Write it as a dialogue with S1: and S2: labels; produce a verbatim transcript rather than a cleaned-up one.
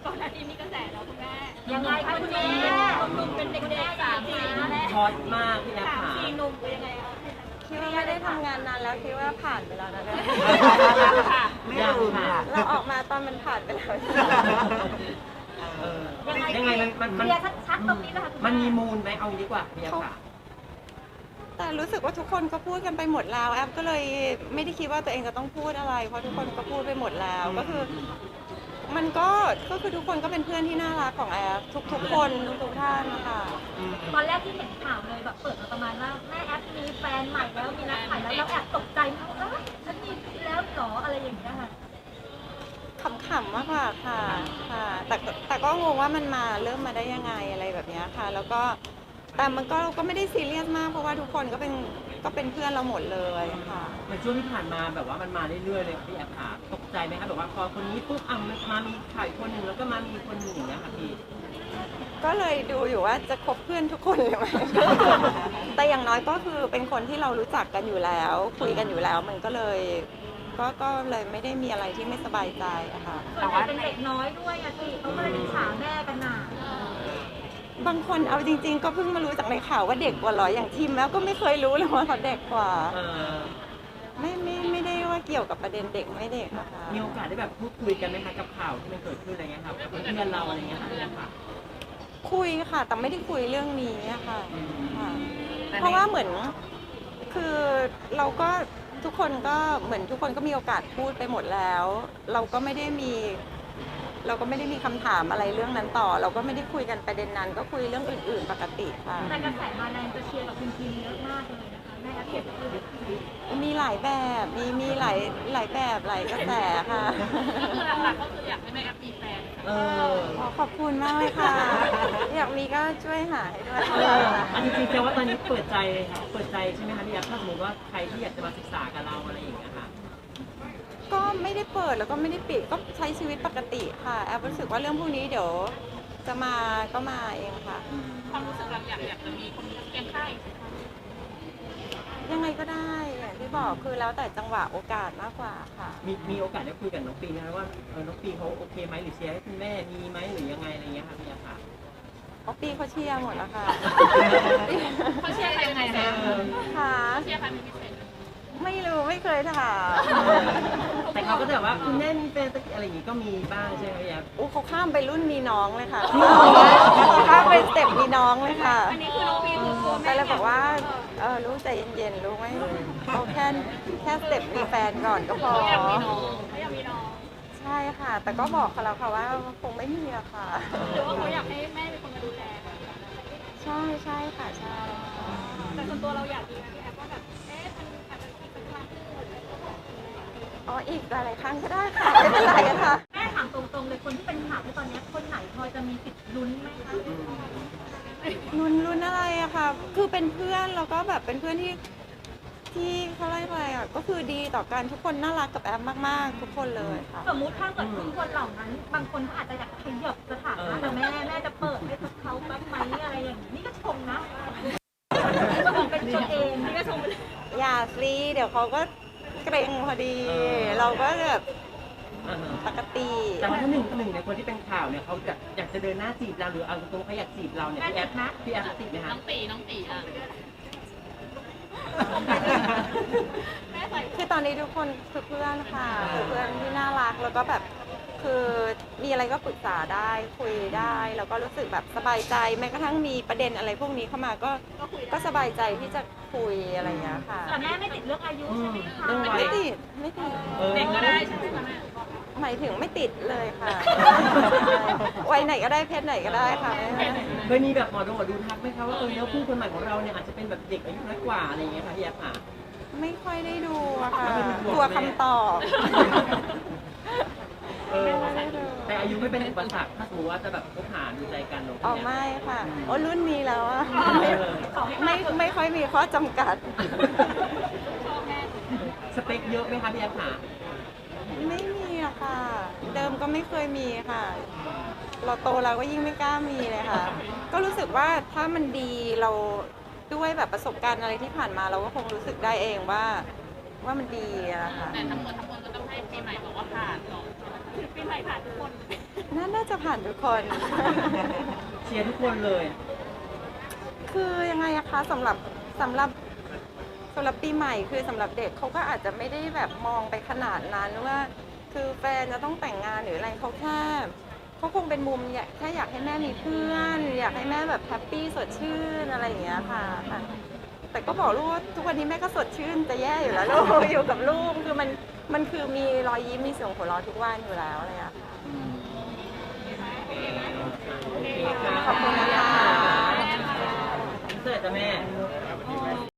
S1: ก่อนหน้านี้มีกระแสแล้วคุณแม่
S2: ยังไงคะคุณแม่
S1: หนุ่มเป็นเด็กๆสามสี่แม่
S3: ฮอตมากพี่แอฟ
S1: สาม
S3: ค่ะ
S1: สี่หนุ่มเป็นยังไงคะ
S4: คิดว่าไม่ได้ทำงานนานแล้วคิดว่าผ่านไปแล้วนะเนี่ย
S1: ค่ะ
S3: ไม่ลืมค่ะ
S4: เราออกมาตอนมันผ่านไปแล้ว
S3: เออยังไงมันมันมัน
S2: เคลียร์ชัดๆตรงนี้นะคะ
S3: มันมีมูลไหมเอาดีกว่าพี่แอฟค่ะ
S4: แต่รู้สึกว่าทุกคนก็พูดกันไปหมดแล้วแอปก็เลยไม่ได้คิดว่าตัวเองจะต้องพูดอะไรเพราะทุกคนก็พูดไปหมดแล้วก็คือ มันก็ก็คือทุกคนก็เป็นเพื่อนที่น่ารักของแอปทุกๆคนทุกๆท่านนะคะ
S2: ตอนแรกที่เห็นข่าวเลยแบบเปิดมาประมาณว่าแม่แอปมีแฟนใหม่แล้วมีนักถ่ายแล้วเราแอบตกใจมากว่าฉันมีแล้วหรออะไรอย่างเงี้ยค่ะ
S4: ขำๆมากกว่าค่ะค่ะแต่แต่ก็งงว่ามันมาเริ่มมาได้ยังไงอะไรแบบนี้ค่ะ แล้วก็แต่มันก็ก็ไม่ได้ซีเรียสมากเพราะว่าทุกคนก็เป็นก็เป็นเพื่อนเราหมดเลยค่ะ
S3: เหมือนช่วงที่ผ่านมาแบบว่ามันมาเรื่อยๆเลยพี่แอฟค่ะตกใจไหมคะแบบว่าพอคนนี้ปุ๊บอ่ะมันมามีถ่ายคนหนึ่งแล้วก็มามีคนหนึ่งอย่างเงี้ยค่ะพี่
S4: ก็เลยดูอยู่ว่าจะคบเพื่อนทุกคนเลยไหม แต่อย่างน้อยก็คือเป็นคนที่เรารู้จักกันอยู่แล้ว คุยกันอยู่แล้วมันก็เลย ก็ก็เลยไม่ได้มีอะไรที่ไม่สบายใจอะค่ะ
S2: ส่วนใหญ่เป็นเด็กน้อยด้วยอะที่เขาก็เลยอิจฉาแม่กันหนา
S4: บางคนเอาจริง ๆ ก็เพิ่งมารู้จากในข่าวว่าเด็กกว่าเหรออย่างทีมแล้วก็ไม่เคยรู้เลยว่าเขาเด็กกว่า
S3: เออ
S4: ไม่ไม่ไม่ได้ว่าเกี่ยวกับประเด็นเด็กไม่เด็กนะคะ
S3: มีโอกาสได้แบบพูดคุยกันไหมคะกับข่าวที่มันเกิดขึ้นอะไรเงี้ยครับกับเพื่อนเราอะไรเงี้ยค่ะพี่แอฟค่ะ
S4: คุยค่ะ แต่ไม่ได้คุยเรื่องนี้อะค่ะค่ะเพราะว่าเหมือนคือเราก็ทุกคนก็เหมือนทุกคนก็มีโอกาสพูดไปหมดแล้ว เราก็ไม่ได้มี เราก็ไม่ได้มีคำถามอะไรเรื่องนั้นต่อ เราก็ไม่ได้คุยกันประเด็นนั้น ก็คุยเรื่องอื่น ๆ ปกติค่ะ
S2: แต่กระแสมาแรงจะเชียร์กับคุณทีมเยอะมากเลยนะคะแม่แอปเห็นเลย
S4: มีหลายแบบมีมีหลายหลายแบบหลายกระแสค่ะ
S1: หลักๆก็คืออยากให้แม่แอปมีแฟน
S3: เออ
S4: ขอขอบคุณมากเลยค่ะ อยากมีก็ช่วยหาให้ด้วย
S3: เอออันนี้จริงๆแปลว่าตอนนี้เปิดใจเลยค่ะเปิดใจใช่ไหมคะพี่แอฟถ้าสมมติว่าใครที่อยากจะมาศึกษากับเราอะไรอย่างเงี้ยค่ะ
S4: ก็ไม่ได้เปิดแล้วก็ไม่ได้ปิดก็ใช้ชีวิตปกติค่ะแอบรู้สึกว่าเรื่องพวกนี้เดี๋ยวจะมาก็มาเองค่ะ
S1: ความรู้สึกเราอยากอยากจะมีคนเคียงข้าง
S4: ยังไงก็ได้อย่างที่บอกคือแล้วแต่จังหวะโอกาสมากกว่าค่ะ
S3: มีมีโอกาสได้คุยกับน้องปีนะคะว่าเออน้องปีเขาโอเคไหมหรือเชียร์ให้คุณแม่มีไหมหรือยังไงอะไรเงี้ยค่ะพี่แอฟค่ะ
S4: เพราะปีเขาเชียร์หมดแล้วค่ะ
S1: เขาเชียร์ใครยังไงนะ
S4: ค่ะ
S1: เชียร์ใครเป็นพิเศษ
S4: ไม่รู้ไม่เคยถาม
S3: แต่เขาก็จะแบบว่าคุณแม่มีแฟนสักอะไรอย่างงี้ก็มีบ้างใช่ไหมพี่แอฟ
S4: อู้เขาข้ามไปรุ่นมีน้องเลยค่ะเขาข้ามไปสเต็ปมีน้องเลยค่ะ
S1: อันนี้คือน้องพีคือตัว
S4: ไป
S1: แม่
S4: เลยบอกว่าเออรู้ใจเย็นๆรู้ไหมเอาแค่แค่สเต็ปมีแฟนก่อนก็พอ
S1: อยากมีน้องเขาอยากมีน้อง
S4: ใช่ค่ะ แต่ก็บอกเขาแล้วค่ะว่าคงไม่มีอะค่ะ
S1: หรือว่าเขาอยากให้แม่เป็นคนมาดูแล
S4: ใช่ใช่ค่ะใช่ค่ะ
S1: แต่ส่วนตัวเราอยากมีนะพี่แอฟว่าแบบเอ๊ะมันอาจจะมีสักครั้งหนึ่ง
S4: อ๋ออีกหลายๆครั้งก็ได้ค่ะไม่เป็นไรค่ะ
S2: แม่ถามตรงๆเลยคนที่เป็นข่าวในตอนนี้คนไหนพอจะมีสิทธิ์ลุ้นไหมคะ
S4: รุนรุนอะไรอะค่ะ คือเป็นเพื่อนแล้วก็แบบเป็นเพื่อนที่ที่เขาเรียกอะไรอะก็คือดีต่อกันทุกคนน่ารักกับแอมมากๆ ทุกคนเลยค่ะ
S2: สมมุติถ้าเกิดทุกคนเหล่านั้น บางคนเขาอาจจะอยากขยับสถานะแต่แม่แม่จะเปิดให้เขาบ้างไหมอะไรอย่างนี้นี่ก็ชมนะก็บอกเป็นตัวเองนี่ก็ชม
S4: อย่าซีเดี๋ยวเขาก็เกรงพอดี เราก็แบบ
S3: อ่าฮะ
S4: ปกติ
S3: แต่ว่าถ้าหนึ่งหนึ่งในคนที่เป็นข่าวเนี่ยเขาจะอยากจะเดินหน้าจีบเราหรือเอาตรงๆเขาอยากจีบเราเนี่ยพี่แอฟพี่แอฟติดไหม
S1: น้
S3: คะ
S1: องตีน้องตีอ่ะแม่ใส่
S4: คือตอนนี้ทุกคนคือเพื่อนค่ะคือเพื่อนที่น่ารักแล้วก็แบบคือมีอะไรก็ปรึกษาได้คุยได้แล้วก็รู้สึกแบบสบายใจแม้กระทั่งมีประเด็นอะไรพวกนี้เข้ามาก็ก็สบายใจที่จะคุยอะไรอย่างเงี้ยค่ะ
S2: แต่แม่ไม่ติดเรื่องอายุใช่ไหมคะ
S3: เรื่องวั
S4: ไม่
S3: ย
S4: ติดไม่ติด
S3: ออ
S1: เด็กก็ได้ใช่ไหมคะแม่
S4: หมายถึงไม่ติดเลยค่ะวัยไหนก็ได้เพศไหนก็ได้ค่ะ
S3: เคยมีแบบหมอดูหมอดูทักไหมคะว่าเออแล้วคู่คนใหม่ของเราเนี่ยอาจจะเป็นแบบเด็กอายุน้อยกว่าอะไรอย่างเงี้ยค่ะพี่แอฟค่ะ
S4: ไม่ค่อยได้ดูอะค่ะ
S3: ไม่ได้ดู
S4: กลัวคำตอบ
S3: เออแต่อายุไม่เป็นอุปสรรคถ้าสมมติว่าจะแบบคบหาดูใจกันเนอะ
S4: อ๋อไม่ค่ะโอ้รุ่นนี้แล้วอะไม่ไม่ไม่ค่อยมีข้อจำกัด
S3: สเปคเยอะไหมคะพี่แอฟค่ะ
S4: ไม่มีอะค่ะ เดิมก็ไม่เคยมีค่ะ เราโตแล้วก็ยิ่งไม่กล้ามีเลยค่ะ ก็รู้สึกว่าถ้ามันดีเราด้วยแบบประสบการณ์อะไรที่ผ่านมาเราก็คงรู้สึกได้เองว่าว่ามันดีอะค่ะ
S1: แต่ทั้งหมดทั้งมวลก็ต้องให้ปีใหม่บอกว่าผ่านก่อนปีใหม่ผ่านทุกคน
S4: น่าน่าจะผ่านทุกคน
S3: เชียร์ทุกคนเลย
S4: คือยังไงอะคะสำหรับสำหรับสำหรับปีใหม่คือสำหรับเด็กเขาก็อาจจะไม่ได้แบบมองไปขนาดนั้นว่า คือแฟนจะต้องแต่งงานหรืออะไรเขาแค่เขาคงเป็นมุมอยากแค่อยากให้แม่มีเพื่อน อยากให้แม่แบบแฮปปี้สดชื่นอะไรอย่างเงี้ยค่ะค่ะแต่ก็บอกลูกว่าทุกวันนี้แม่ก็สดชื่นจะแย่อยู่แล้วลูก อยู่กับลูกคือมันมันคือมีรอยยิ้มมีเสียงหัวเราะทุกวันอยู่แล้วอะไรอย่างเงี้ยค่ะ
S3: โอเคค่ะ
S4: ขอบคุณนะคะ
S3: เสิร์ตจ้ะแม่